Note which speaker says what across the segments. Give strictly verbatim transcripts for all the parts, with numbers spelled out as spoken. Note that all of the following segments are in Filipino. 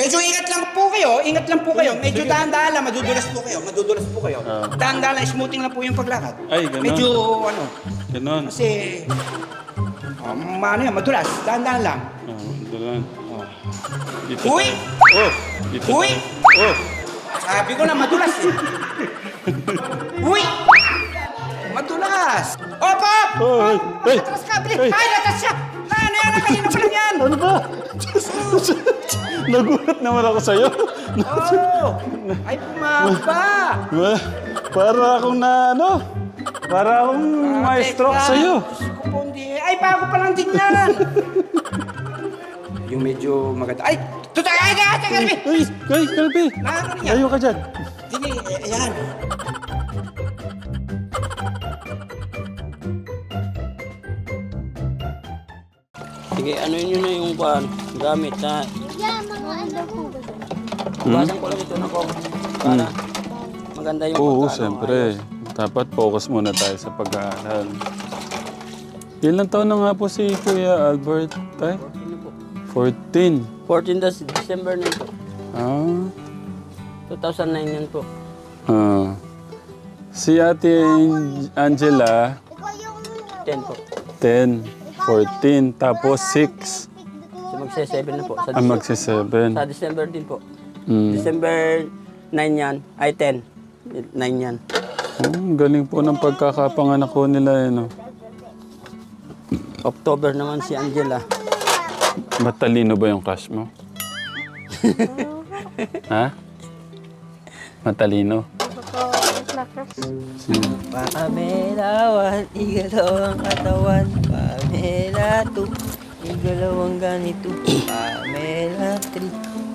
Speaker 1: Medyo ingat lang po kayo, ingat lang po kayo. Medyo dahan-dahan lang, madudulas po kayo, madudulas po kayo.
Speaker 2: Ah.
Speaker 1: Dahan-dahan lang, smoothing lang po yung paglakad.
Speaker 2: Ay, ganun.
Speaker 1: Medyo ano,
Speaker 2: Ganon.
Speaker 1: kasi, um, ano yan, madulas, dahan-dahan lang.
Speaker 2: Oh, doon.
Speaker 1: Oh.
Speaker 2: Dito
Speaker 1: Uy!
Speaker 2: tayo. Oh! Dito
Speaker 1: Uy!
Speaker 2: tayo. Oh!
Speaker 1: Sabi ko na madulas eh. Uy! Madulas! Opo!
Speaker 2: Oh, ay, ay,
Speaker 1: Atras ka, bilis!
Speaker 2: ay.
Speaker 1: Ay, natas siya! Na, ano yan? Kanina pa lang yan!
Speaker 2: Ano ba? Nagulat naman ako sa'yo.
Speaker 1: Oh! Ay, pumaba!
Speaker 2: Ma- Para akong na ano? Para akong maestro
Speaker 1: teka.
Speaker 2: sa'yo.
Speaker 1: Diyos ko po, hindi. Ay, bago pa lang din yan! Yung medyo maganda. Ay! Tutay! Ay, ay, ay, Kalbi!
Speaker 2: Ay, ay, Kalbi.
Speaker 1: Na, ano niya?
Speaker 2: Layo ka dyan.
Speaker 1: Hindi, eh, ayan.
Speaker 3: Sige, ano yun na yung kuhan, gamit na
Speaker 4: Yeah, mga ano po ba?
Speaker 3: basan ko lang ito na ko para maganda yung
Speaker 2: Oo,
Speaker 3: pagkaano,
Speaker 2: siyempre.
Speaker 3: ayos.
Speaker 2: Dapat focus muna tayo sa pag-aaral. Ilang taon na nga po si Kuya Albert? Tay?
Speaker 3: Ano po?
Speaker 2: fourteen.
Speaker 3: fourteen das December na po.
Speaker 2: Ah.
Speaker 3: two thousand nine yan po.
Speaker 2: Ah. Si Ate Angela,
Speaker 4: Ikaw yung
Speaker 3: ten po.
Speaker 2: ten. fourteen. Tapos six.
Speaker 3: So magse-seven na po. Sa,
Speaker 2: Ah,
Speaker 3: Dece-
Speaker 2: magsi-seven.
Speaker 3: sa December din po.
Speaker 2: Mm.
Speaker 3: December nine yan. Ay, ten. nine yan.
Speaker 2: Oh, ang galing po ng pagkakapanganak ko nila. Eh, no?
Speaker 3: October naman si Angela.
Speaker 2: Matalino ba yung crush mo? Ha? Matalino? Sino?
Speaker 3: Pamelawan, igalaw ang katawan. Pamela two, igalaw ang ganito. Pamela three,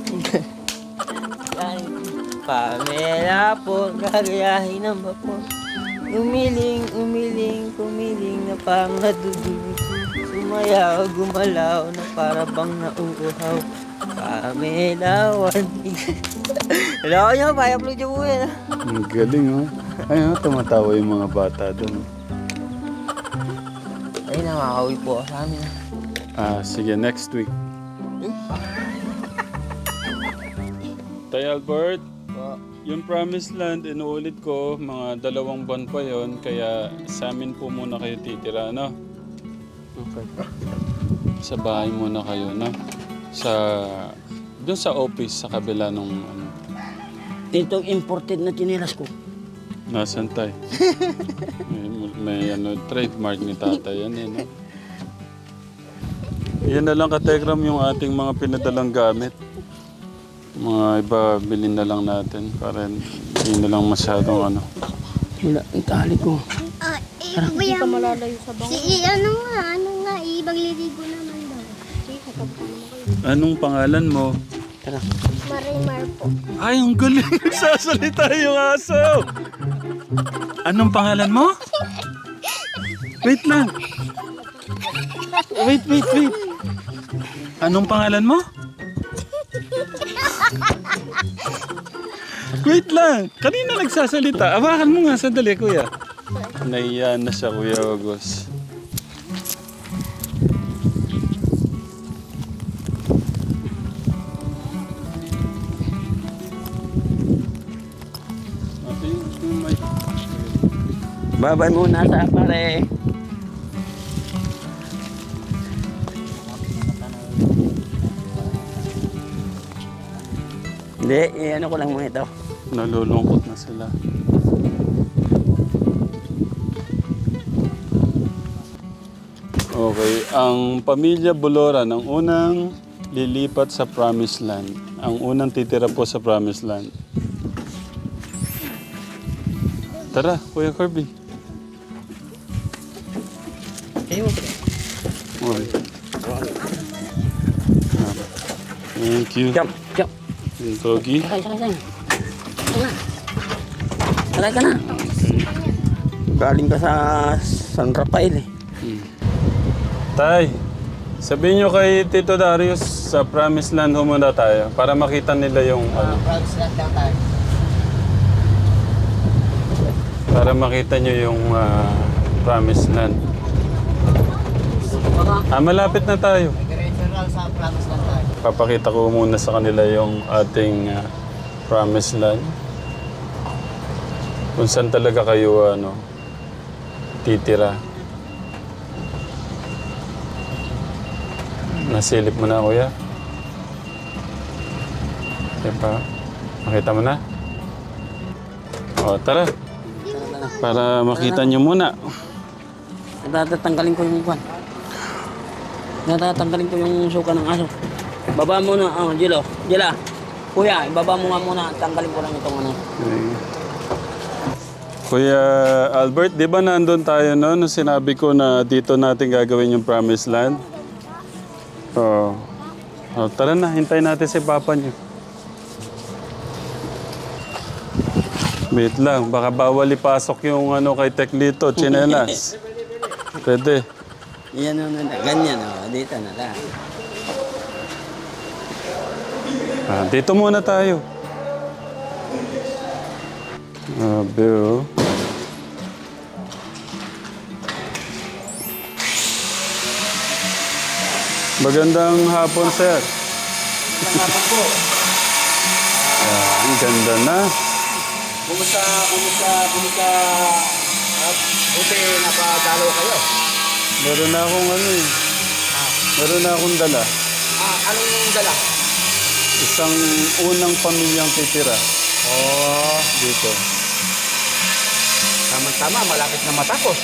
Speaker 3: Pamela po, gagayahin ng vapor. Umiling, umiling, kumiling na pang nadudugo. Sumayaw, gumalaw na para bang nauuhaw. Pamelawan. Hello nyo, pa-upload nyo po yan.
Speaker 2: Ang galing, oh. Ay, oh, tumatawa yung mga bata doon.
Speaker 3: Ay, nakakauwi po ako sa amin.
Speaker 2: Ah, sige, next week. Tay Albert, yung Promised Land, inuulit ko, mga dalawang buwan pa yon, kaya sa amin po muna kayo titira, no?
Speaker 3: Okay.
Speaker 2: Sa bahay muna kayo, no? Sa, doon sa office, sa kabila nung, ano,
Speaker 3: Itong imported na chinelas ko.
Speaker 2: nasan tay? may, may, ano, trademark ni tatay yan, eh, no? Yan na lang kategram yung ating mga pinadalang gamit. Mga iba, bilhin na lang natin para hindi na lang masyadong ano.
Speaker 3: Wala, ang tali ko.
Speaker 4: Ah, eh, hindi ka malalayo sa bangko. Si, ano nga, ano nga, eh, magliligo naman daw.
Speaker 2: Anong pangalan mo?
Speaker 3: Tara.
Speaker 4: Marimar po.
Speaker 2: Ay, ang galing nagsasalita yung aso! Anong pangalan mo? Wait lang. Wait, wait, wait. Anong pangalan mo? Wait lang. Kanina nagsasalita. Awakan mo nga. Sandali, kuya. Naiya na siya, Kuya August. Ate, yung mic.
Speaker 3: Babay muna sa pare. Hindi, eh, ano ko lang muna ito.
Speaker 2: Nalulungkot na sila. Okay, ang pamilya Boloran ang unang lilipat sa Promised Land. Ang unang titira po sa Promised Land. Tara, Kuya Kirby.
Speaker 3: Ayun.
Speaker 2: Okay. Thank you.
Speaker 3: Jump, jump.
Speaker 2: Yung Doggy.
Speaker 3: Sakay, sakay, sakay. Sakay ka na. Galing ka sa San Rafael eh.
Speaker 2: Hmm. Tay, sabihin nyo kay Tito Darius sa Promised Land ho muna tayo para makita nila yung ano.
Speaker 3: Promised Land lang tayo.
Speaker 2: Para makita nyo yung ah, Promised Land. Ah, malapit na tayo.
Speaker 3: Diretso lang sa Promised Land tayo.
Speaker 2: papakita ko muna sa kanila yung ating ah, promised land. Kung saan talaga kayo ano, titira. Nasilip mo na, kuya? Diba? Makita mo na? O, tara. Para makita nyo muna.
Speaker 3: Natatanggalin ko yung kwan. Natatanggalin ko yung suka ng aso. Baba mo na, oh, Jilo. Jila. Kuya, ibaba mo nga muna. Tanggalin ko lang itong ano.
Speaker 2: Okay. Kuya Albert, di ba nandun tayo no? Nung sinabi ko na dito natin gagawin yung promised land? Oo. Oh. Tara na, hintayin natin si Papa niyo. Wait lang, baka bawal ipasok yung ano kay Teklito, chinelas. Pwede.
Speaker 3: Yan o, ganyan o. Dito na lang.
Speaker 2: Ah, dito muna tayo. Abe, oh. Magandang hapon, sir.
Speaker 1: Magandang hapon po.
Speaker 2: Ah, ang ganda na.
Speaker 1: Kumusta, kumusta, kumusta, uh, buti napadalo kayo.
Speaker 2: Meron na akong ano eh. Meron na akong dala.
Speaker 1: Ah, anong dala?
Speaker 2: Isang unang pamilyang titira
Speaker 1: Oh,
Speaker 2: dito.
Speaker 1: tama-tama, malapit na matapos.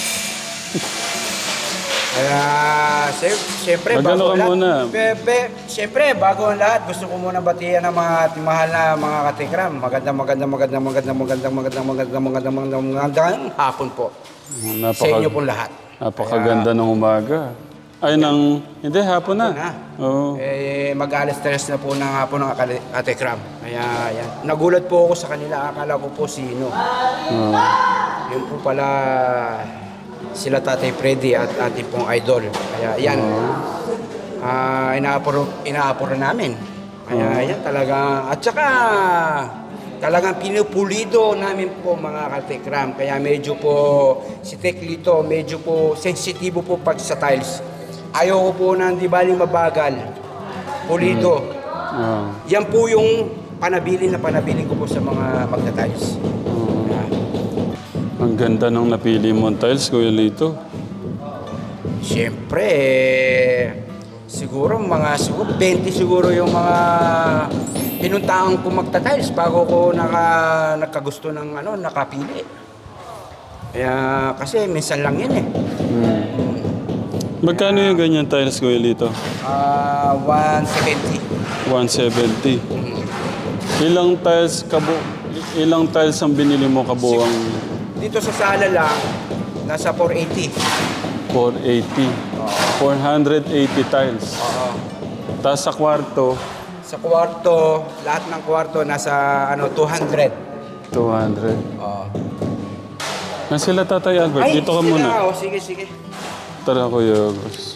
Speaker 1: Kaya, siyem- siyempre,
Speaker 2: Magano
Speaker 1: bago
Speaker 2: ka
Speaker 1: ang lahat,
Speaker 2: muna?
Speaker 1: Be, be, siyempre, bago ang lahat, gusto ko muna batiyan ng mga ating mahal na mga katikram. Magandang, magandang, magandang, magandang, magandang, magandang, magandang, magandang, magandang, magandang hapon po. Sa inyo
Speaker 2: Napaka,
Speaker 1: pong lahat.
Speaker 2: napakaganda ng umaga. Ay, ng... Hindi, hapon na.
Speaker 1: Na.
Speaker 2: Oo.
Speaker 1: Eh, mag-alas tres na po ng hapon ng katikram. Kaya, yan. Nagulat po ako sa kanila. Akala ko po sino.
Speaker 2: Oo.
Speaker 1: Yun po pala sila Tatay Freddy at ating pong idol. Kaya yan, ah inaapuro, inaapuro namin. Kaya yan talaga, at saka talagang pinupulido namin po mga katekram. Kaya medyo po si Teklito, medyo po sensitibo po pag sa tiles. Ayoko po na hindi baling mabagal, pulido.
Speaker 2: Oo.
Speaker 1: Yan po yung panabili na panabili ko po sa mga magta-tiles. Kaya,
Speaker 2: Ang ganda ng napili mong tiles, Kuya Lito.
Speaker 1: Siyempre, eh, siguro mga siguro twenty siguro yung mga pinuntahan ko magta-tiles bago ko naka, nakagusto ng ano, nakapili. Kaya kasi minsan lang yun eh.
Speaker 2: Hmm. Magkano yung ganyan tiles, Kuya Lito?
Speaker 1: Ah, one seventy.
Speaker 2: one seventy. Ilang tiles kabu... Ilang tiles ang binili mo kabuang
Speaker 1: Dito sa sala lang, nasa four eighty.
Speaker 2: four eighty? four eighty tiles.
Speaker 1: Oo.
Speaker 2: Tapos sa kwarto,
Speaker 1: Sa kwarto, lahat ng kwarto nasa ano two hundred.
Speaker 2: two hundred.
Speaker 1: Oo.
Speaker 2: Na sila Tatay Albert, dito ka
Speaker 1: sila,
Speaker 2: muna.
Speaker 1: oh, sige, sige.
Speaker 2: Tara, Kuya August.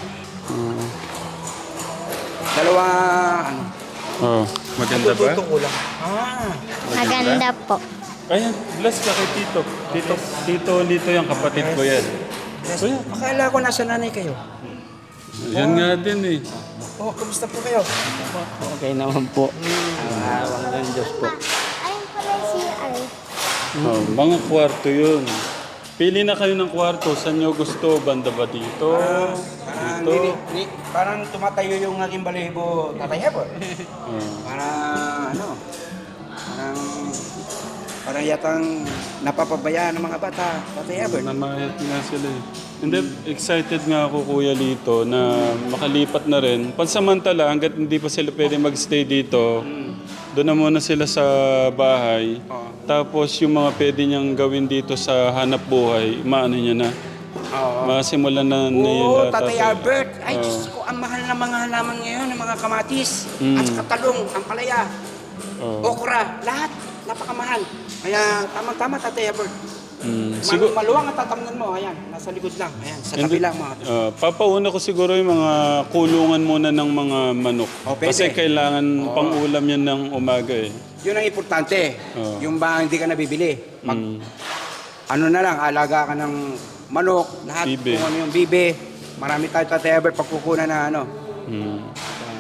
Speaker 1: Dalawa, ano,
Speaker 2: Oh, maganda ba?
Speaker 1: tututo ko lang. Ah.
Speaker 4: Maganda po.
Speaker 2: Ayan, bless ka kay Tito. Tito, Tito Lito yung kapatid ko yan. Kuya,
Speaker 1: Akala ko nasa nanay kayo.
Speaker 2: yan nga din eh.
Speaker 1: Oh, kumusta po kayo?
Speaker 3: Okay naman po. Ang awang ng Diyos po.
Speaker 4: Ayun pala yung C R.
Speaker 2: Oh, mga kwarto yun. Pili na kayo ng kwarto. Saan nyo gusto? Banda ba dito?
Speaker 1: Parang,
Speaker 2: Dito?
Speaker 1: nini- ni- parang tumatayo yung aking balibo, tatay po.
Speaker 2: Oh.
Speaker 1: Parang ano, parang, parang yatang napapabayaan ng mga bata, tatay Albert.
Speaker 2: Namayat nga sila eh. Hindi, excited nga ako Kuya Lito na makalipat na rin. Pansamantala, hanggat hindi pa sila pwede magstay dito, doon na muna sila sa bahay.
Speaker 1: Oo.
Speaker 2: Tapos yung mga pwede niyang gawin dito sa hanap buhay, maano niya na.
Speaker 1: Oo.
Speaker 2: Masimulan na niya
Speaker 1: Oo,
Speaker 2: lahat,
Speaker 1: tatay Albert. Ay,
Speaker 2: Oo.
Speaker 1: Diyos ko, ang mahal ng mga halaman ngayon, ng mga kamatis,
Speaker 2: Mm.
Speaker 1: at saka talong, ang palaya,
Speaker 2: Oo.
Speaker 1: okra, lahat, napakamahal. Kaya, tama-tama, tatay Albert.
Speaker 2: Mm.
Speaker 1: Mal-
Speaker 2: Sigur-
Speaker 1: maluwang ang tatamnan mo, ayan, nasa likod lang, ayan, sa
Speaker 2: Hindi-
Speaker 1: tabi lang mga.
Speaker 2: Ah, papauna ko siguro yung mga kulungan muna ng mga manok.
Speaker 1: Oh, pwede.
Speaker 2: Kasi kailangan
Speaker 1: Oo.
Speaker 2: pang-ulam yan ng umaga eh.
Speaker 1: Yun ang importante.
Speaker 2: Oo.
Speaker 1: Yung ba hindi ka nabibili. Mag,
Speaker 2: Mm.
Speaker 1: Ano na lang, alaga ka ng manok, lahat
Speaker 2: Bibe.
Speaker 1: kung ano yung bibe. Marami tayo tatay Albert pagkukunan na ano.
Speaker 2: Mm.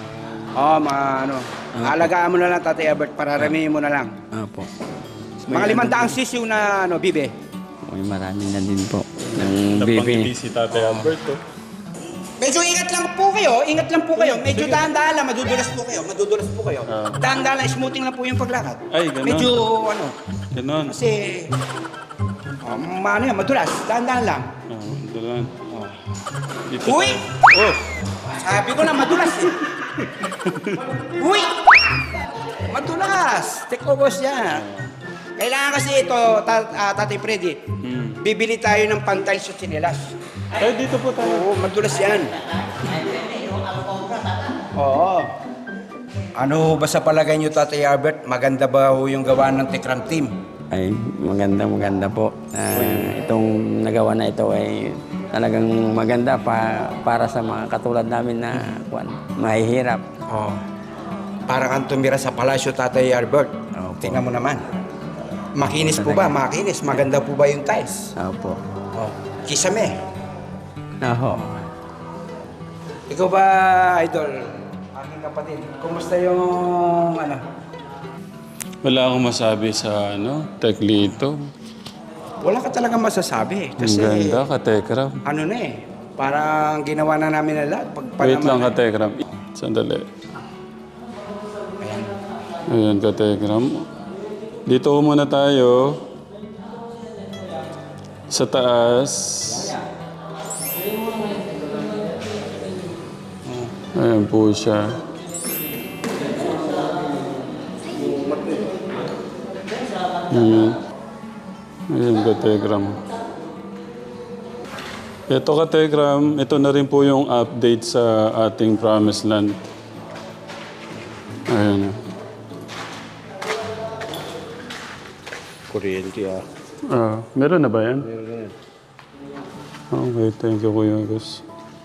Speaker 1: Oo, mga ano. Alagaan mo na lang, Tatay Albert, pararamihin mo na lang.
Speaker 3: Opo.
Speaker 1: Mga limandaang sisiw na ano, bibe.
Speaker 3: May marami na din po. Ng bibi.
Speaker 2: Napangiti si Tatay Albert, oh.
Speaker 1: Medyo ingat lang po kayo, ingat lang po kayo. Medyo dahan-dahan lang, madudulas po kayo, madudulas po kayo.
Speaker 2: Ah.
Speaker 1: Dahan-dahan lang, smoothing lang po yung paglakad.
Speaker 2: Ay, ganun.
Speaker 1: Medyo ano,
Speaker 2: Ganon.
Speaker 1: kasi, um, ano yan, madulas, dahan-dahan lang.
Speaker 2: Oh, doon. Dito.
Speaker 1: Uy!
Speaker 2: Oh!
Speaker 1: Sabi ko na, madulas eh. Uy! Madulas! Take overs yan. Kailangan kasi ito, ta- ah, Tatay Freddy,
Speaker 2: Hmm.
Speaker 1: bibili tayo ng pantal sa tsinelas.
Speaker 2: Ay, dito po tayo.
Speaker 1: Oo, madulas yan. Oo. Ano ba sa palagay niyo, Tatay Albert? Maganda ba ho yung gawa ng Tekram Team?
Speaker 3: Ay, maganda maganda po. Ah, itong nagawa na ito ay talagang maganda pa, para sa mga katulad namin na kwan, mahihirap.
Speaker 1: Oo. Parang kang tumira sa palasyo, Tatay Albert.
Speaker 3: Opo.
Speaker 1: Tingnan mo naman. Makinis po ba? Makinis. Maganda po ba yung tiles?
Speaker 3: Opo.
Speaker 1: Oh. Kisame.
Speaker 3: Oho.
Speaker 1: Ikaw ba, Idol? Aking kapatid. Kumusta yung ano?
Speaker 2: Wala akong masabi sa ano, Teklito.
Speaker 1: Wala ka talaga masasabi.
Speaker 2: Ang
Speaker 1: Kasi
Speaker 2: ganda, Katekram.
Speaker 1: ano na eh. Parang ginawa na namin na lahat. Pag
Speaker 2: Wait lang,
Speaker 1: panaman-
Speaker 2: Katekram. Sandali.
Speaker 1: Ayan.
Speaker 2: Ayan, Katekram. Dito muna tayo. Sa taas. Ayan po siya. Ayan. Ayan, Katekram. Ito, Katekram, ito na rin po yung update sa ating Promised Land. Ayan.
Speaker 1: Kuryente ah.
Speaker 2: Ah, meron na ba yan? Okay, thank you, Kuya Gus.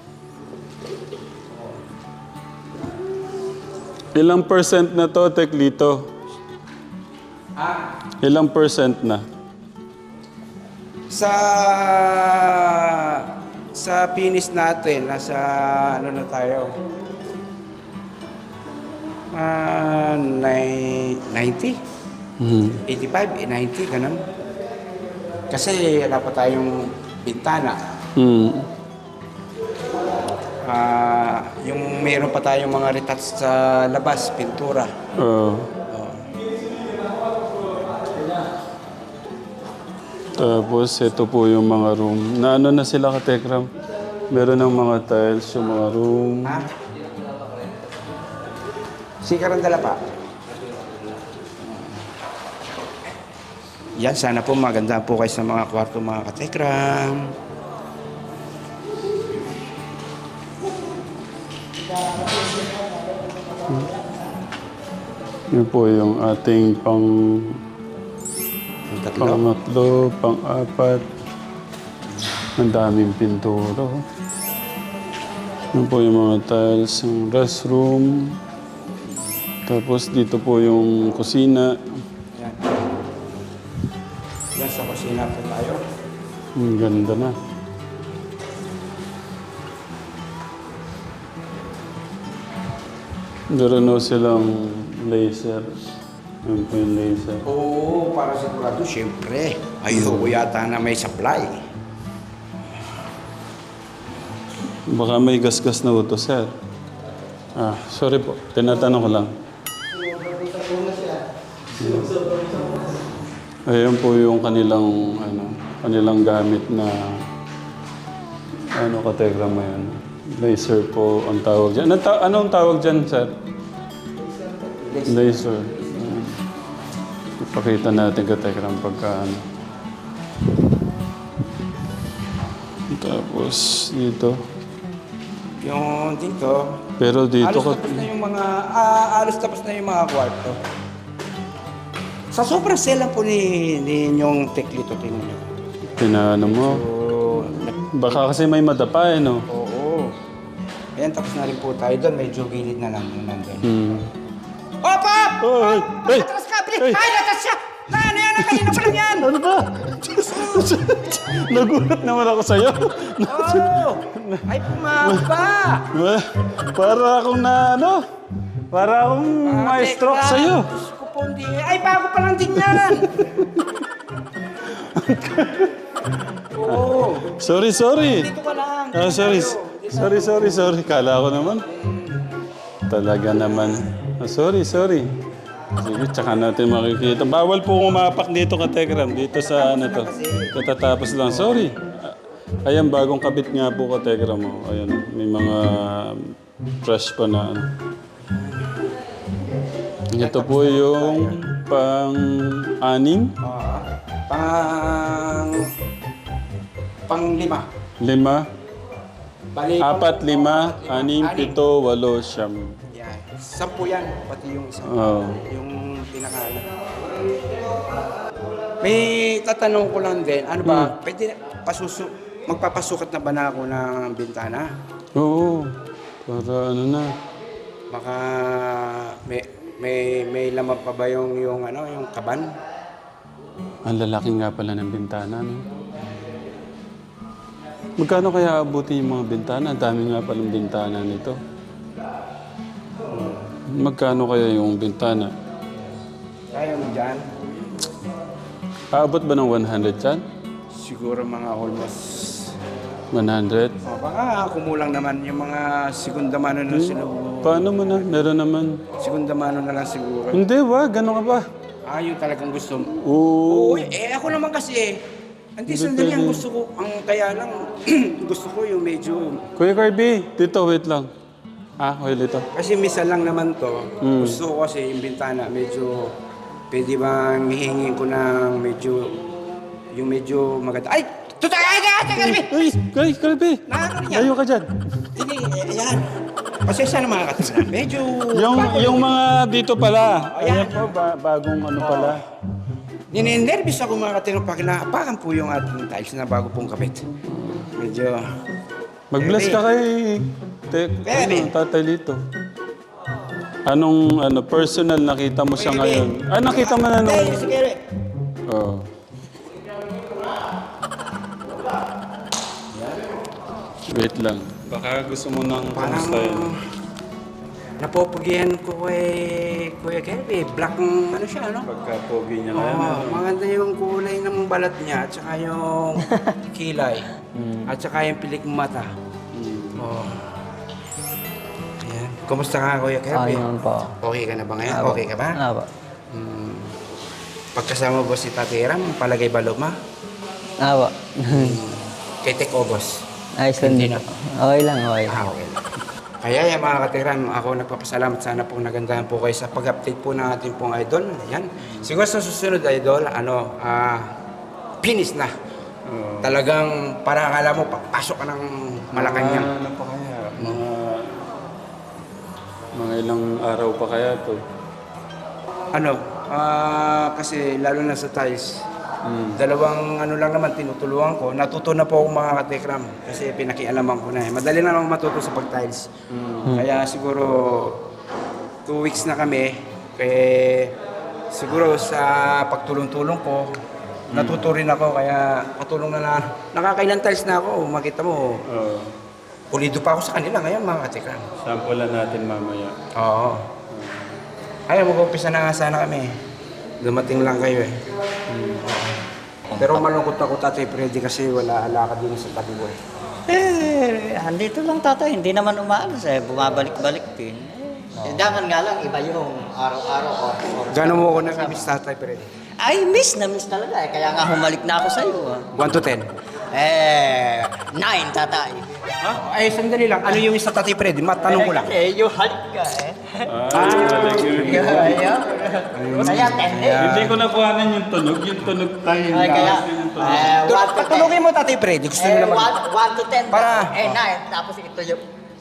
Speaker 2: Ilang percent na to, Teklito?
Speaker 1: Ah,
Speaker 2: Ilang percent na?
Speaker 1: sa sa finish natin, nasa ano na tayo? Ah, nine- ninety?
Speaker 2: Hmm.
Speaker 1: eighty-five, ninety, ganun. Kasi wala pa tayong bintana.
Speaker 2: Hmm.
Speaker 1: Ah, yung meron pa tayong mga retats sa labas, pintura.
Speaker 2: Ah. Tapos, ito po yung mga room. Na ano na sila, Katekram? Meron ng mga tiles, yung mga room.
Speaker 1: Ha? Sikarang dala pa. Yan, sana po maganda po kayo sa mga kwarto, mga katekram.
Speaker 2: Yun po yung ating pang
Speaker 1: Yung tatlo.
Speaker 2: pangatlo, pang-apat. Ang daming pintura. oh. Yun po yung mga tiles, yung restroom. Tapos dito po yung kusina.
Speaker 1: Yan. Yan, sa kusina po tayo.
Speaker 2: Ang ganda na. Meron na silang laser. Yun po yung laser.
Speaker 1: Oo, para sigurado, siyempre. Ayoko yata na may supply.
Speaker 2: Baka may gasgas na uto, sir. Ah, sorry po. Tinatanong ko lang. Ayan po yung kanilang, ano, kanilang gamit na, ano, kategram mo yan. Laser po ang tawag dyan. Anong, ta- anong tawag dyan, sir? Laser. Ah. Ipakita natin kategram pagka, ano. Tapos, dito.
Speaker 1: Yung dito,
Speaker 2: Pero dito
Speaker 1: alos
Speaker 2: ka...
Speaker 1: tapos na yung mga, ah, alos tapos na yung mga kwarto. Sa sobrang sela po ni, ni yung teklito, tingnan nyo.
Speaker 2: Pinano mo.
Speaker 1: So, nag-
Speaker 2: Baka kasi may madapa eh, no?
Speaker 1: oo. Ayan, tapos na rin po tayo doon. Medyo gilid na lang yung nandun.
Speaker 2: Hmm.
Speaker 1: Op, op!
Speaker 2: Oh, ay, ay!
Speaker 1: Atras ka,
Speaker 2: Ay!
Speaker 1: bilis! Ay, natas siya! Na, ano yan? Kanina pa lang yan!
Speaker 2: Ano ba? Nagulat naman ako sa'yo.
Speaker 1: Oo! Ay, pumapa!
Speaker 2: Para akong na ano? Para akong maestro
Speaker 1: Tekram,
Speaker 2: sa'yo.
Speaker 1: Diyos ko po, hindi. Ay, bago pa lang din yan. Oo.
Speaker 2: Sorry, sorry.
Speaker 1: Dito ka lang.
Speaker 2: Ah, sorry. Sorry, sorry, sorry. Kala ko naman. Talaga naman. Ah, sorry, sorry. Sige, tsaka natin makikita. Bawal po umapak dito ka Tekram. Dito sa ano to. Katatapos lang. Sorry. Ah, Ayan, bagong kabit nga po ka Tekram. Oh. Ayan, may mga fresh pa na ano. Ito po yung pang-anim,
Speaker 1: Ah, pang... Pang lima.
Speaker 2: lima,
Speaker 1: Bali,
Speaker 2: apat, lima, anim, pito, walo, siyam.
Speaker 1: Yan. Sampu yan. Pati yung isa.
Speaker 2: Oh.
Speaker 1: Yung pinaka... May tatanong ko lang din. Ano ba? Pwede pasusu... Magpapasukat na ba na ako ng bintana?
Speaker 2: Oo. Para ano na.
Speaker 1: Baka may may may laman pa ba yung yung ano yung kaban?
Speaker 2: Ang lalaki nga pala ng bintana, no? Magkano kaya abuti yung mga bintana? Ang dami nga palang bintana nito. Magkano kaya yung bintana?
Speaker 1: Kaya mo dyan?
Speaker 2: Aabot ba ng one hundred yan?
Speaker 1: Siguro mga almost.
Speaker 2: one hundred?
Speaker 1: Oh, baka kumulang naman yung mga segunda mano na siguro.
Speaker 2: Paano mo na? Meron naman.
Speaker 1: Segunda mano na lang siguro.
Speaker 2: Hindi, wag. Gano'n ka ba?
Speaker 1: Ah, yung talagang gusto mo.
Speaker 2: Oo.
Speaker 1: Oo, eh ako naman kasi hindi sandali ang gusto ko. Ang kaya lang gusto ko yung medyo
Speaker 2: Kuya Kirby, dito, wait lang. Ah, wait dito.
Speaker 1: kasi misa lang naman to.
Speaker 2: Mm.
Speaker 1: Gusto ko kasi yung bintana medyo pwede bang hihingin ko ng medyo yung medyo maganda. Ay! Tutay! Ay! Ay! Ay! Ay!
Speaker 2: Uy, Kuya Kirby!
Speaker 1: Nakakano yan?
Speaker 2: Layo ka dyan.
Speaker 1: Hindi, eh, ayan. Pasensya na mga katinan. Medyo...
Speaker 2: Yung,
Speaker 1: bago
Speaker 2: yung
Speaker 1: lang.
Speaker 2: mga dito pala.
Speaker 1: Ayan.
Speaker 2: Ayan po, ba- bagong ano pala.
Speaker 1: Ninenervous ako mga katinan pag naapakan po yung ating tiles na bago pong kapit. Medyo...
Speaker 2: Mag-bless ka kay te,
Speaker 1: Bebe.
Speaker 2: ano, Tatay Lito. Anong ano, personal nakita mo siya ngayon? Ah, nakita mo na nung...
Speaker 1: Hey, sige, Re.
Speaker 2: Oh. Wait lang. Baka gusto mo nang
Speaker 1: Parang...
Speaker 2: kamustahin.
Speaker 1: Napopugihan ko kay Kuya Kirby. Black ang ano siya, ano?
Speaker 2: Pagka-pogi niya
Speaker 1: Oo,
Speaker 2: kaya.
Speaker 1: maganda yung kulay ng balat niya at saka yung kilay. At saka yung pilik mata. Oo. Ayan. Kumusta ka, Kuya Kirby?
Speaker 3: Ayun po.
Speaker 1: Okay ka na ba ngayon?
Speaker 3: Apo.
Speaker 1: Okay ka ba?
Speaker 3: Apo.
Speaker 1: Hmm. Pagkasama mo si Tati Ram, palagay ba luma?
Speaker 3: Apo.
Speaker 1: Kay Tek Obos.
Speaker 3: Ayos lang
Speaker 1: Hindi
Speaker 3: din.
Speaker 1: na.
Speaker 3: Okay lang, okay.
Speaker 1: Ah, okay lang. Kaya yan mga katiran, ako nagpapasalamat sana pong nagandahan po kayo sa pag-update po ng ating pong idol. Yan. Siguro sa susunod idol, ano, ah, finish na.
Speaker 2: Oo.
Speaker 1: Talagang para akala mo, papasok ka ng Malacanang.
Speaker 2: Ah, ano pa kaya? Mga... Mga ilang araw pa kaya to?
Speaker 1: Ano, ah, kasi lalo na sa tiles,
Speaker 2: Mm.
Speaker 1: dalawang ano lang naman tinutulungan ko. Natuto na po ako mga katekram kasi pinakialaman ko na eh. Madali na lang matuto sa pag-tiles. Kaya siguro two weeks na kami. Kaya siguro sa pagtulong-tulong ko, natuto rin ako. Kaya patulong na na. Nakakailan tiles na ako. Makita mo,
Speaker 2: Oo.
Speaker 1: pulido pa ako sa kanila ngayon mga katekram.
Speaker 2: Sampulan natin mamaya.
Speaker 1: Oo. Ay, mag-umpisa na nga sana kami. Dumating lang kayo eh. Pero malungkot ako Tatay Freddy kasi wala alakad din sa tabi ko eh.
Speaker 5: Eh, andito lang tatay, hindi naman umaalis eh, bumabalik-balik din. Eh, daman nga lang, iba yung araw-araw or, or
Speaker 1: Gano'n mo ako nag-miss Tatay Freddy?
Speaker 5: Ay, miss na miss talaga eh, kaya nga humalik na ako sa iyo. Ah.
Speaker 1: one to ten.
Speaker 5: Eh, nine tatay.
Speaker 1: Ha? Ay, sandali lang. Ano yung isa Tatay Freddy? Matanong ko lang.
Speaker 5: Eh, yung halik ka eh.
Speaker 2: Ah, talaga yun.
Speaker 5: Ayun. Kaya ten eh.
Speaker 2: Hindi ko nakuhanan yung tunog. Yung tunog tayo.
Speaker 5: Ay, kaya, eh, one to ten.
Speaker 1: Patulogin mo Tatay Freddy. Gusto
Speaker 5: Eh,
Speaker 1: mo naman.
Speaker 5: one, one to ten.
Speaker 1: Para.
Speaker 5: Eh, nine. Tapos ito yung...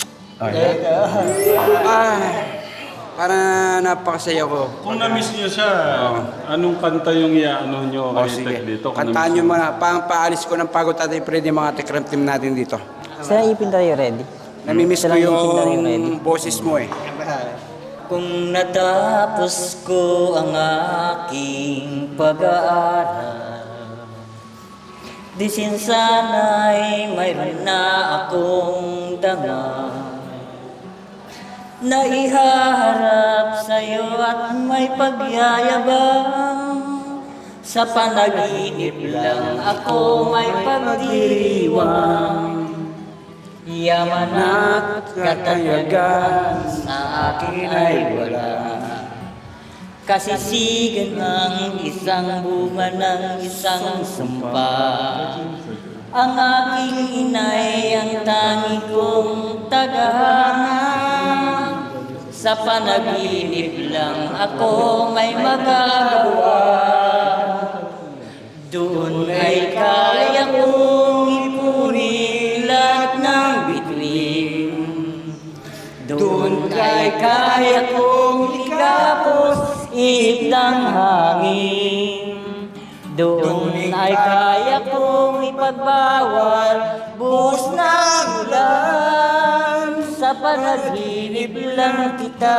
Speaker 1: Ah, para napakasaya ko.
Speaker 2: Kung na-miss niyo siya, anong kanta yung iaano niyo
Speaker 1: O
Speaker 2: kay
Speaker 1: sige,
Speaker 2: Tek dito? Kung
Speaker 1: kantaan
Speaker 2: na-miss
Speaker 1: nyo muna. Pang paalis ko ng pagod Tatay Freddy mga tekram team natin dito.
Speaker 3: Sila ipin tayo ready.
Speaker 1: Namimiss ko
Speaker 3: Sila ipin tayo ready.
Speaker 1: yung boses mo eh.
Speaker 5: Kung natapos ko ang aking pag-aaral, di sin sana'y mayroon na akong dama. na ihaharap sa'yo at may pagyayabang. Sa panaginip lang ako may pagdiriwang. Yaman at katayagan sa akin ay wala. Kasisigan ng isang bunga ng isang sumpa. Ang aking inay ang tangi kong tagahanga. Sa panaginip lang ako may magagawa. Doon ay kaya kong ipunin lahat ng bituin. Doon ay kaya kong ikapos ihip ng hangin. Doon ay kaya kong ipagbawal buhos ng ulan. Sa panaginip lang kita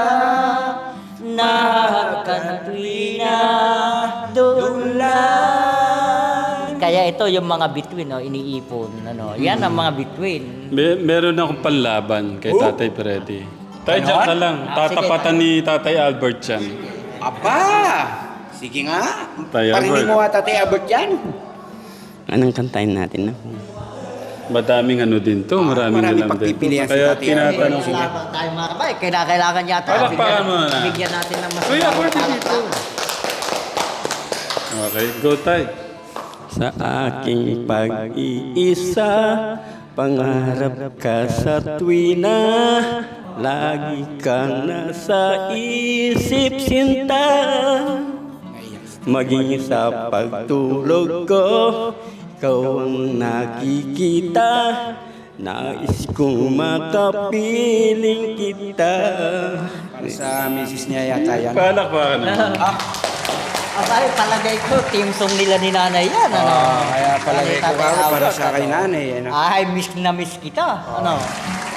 Speaker 5: nahakan tuwina doon lang. Kaya ito yung mga bituin, no, iniipon. Ano, yan ang mga bituin.
Speaker 2: May, meron akong panlaban kay Tatay Freddy. Tay, dyan ka lang.
Speaker 5: Ah, sige,
Speaker 2: Tatapatan ni Tatay Albert yan.
Speaker 1: Aba! Sige nga.
Speaker 2: Tay
Speaker 1: Parinig
Speaker 2: Albert.
Speaker 1: mo nga, Tatay Albert yan.
Speaker 3: Anong kantahin natin na?
Speaker 2: Madaming ano din to, maraming
Speaker 1: marami
Speaker 2: alam din.
Speaker 1: pagpipilian si
Speaker 2: Kaya
Speaker 1: Tatay
Speaker 2: tinatanong ko.
Speaker 5: Kailangan tayo mga kabay. Kailangan yata.
Speaker 2: Palakpakan mo na.
Speaker 5: Bigyan natin ng mas
Speaker 2: Kuya, pwede
Speaker 5: magandang
Speaker 2: dito.
Speaker 5: palakpakan.
Speaker 2: Okay, go Tay.
Speaker 3: Sa aking pag-iisa, pangarap ka sa tuwina, lagi kang nasa isip sinta. Maging sa pagtulog ko, ikaw ang nakikita, nais kong makapiling kita.
Speaker 1: Para sa misis niya yata yan.
Speaker 2: Palakpakan naman.
Speaker 5: Asay, palagay ko, team song nila ni nanay yan. Ano?
Speaker 1: Ah, kaya palagay ko
Speaker 5: Tatay
Speaker 1: ako para
Speaker 5: Albert,
Speaker 1: sa kay
Speaker 5: ano?
Speaker 1: nanay. Ano?
Speaker 5: Ay, miss na miss kita. Ano?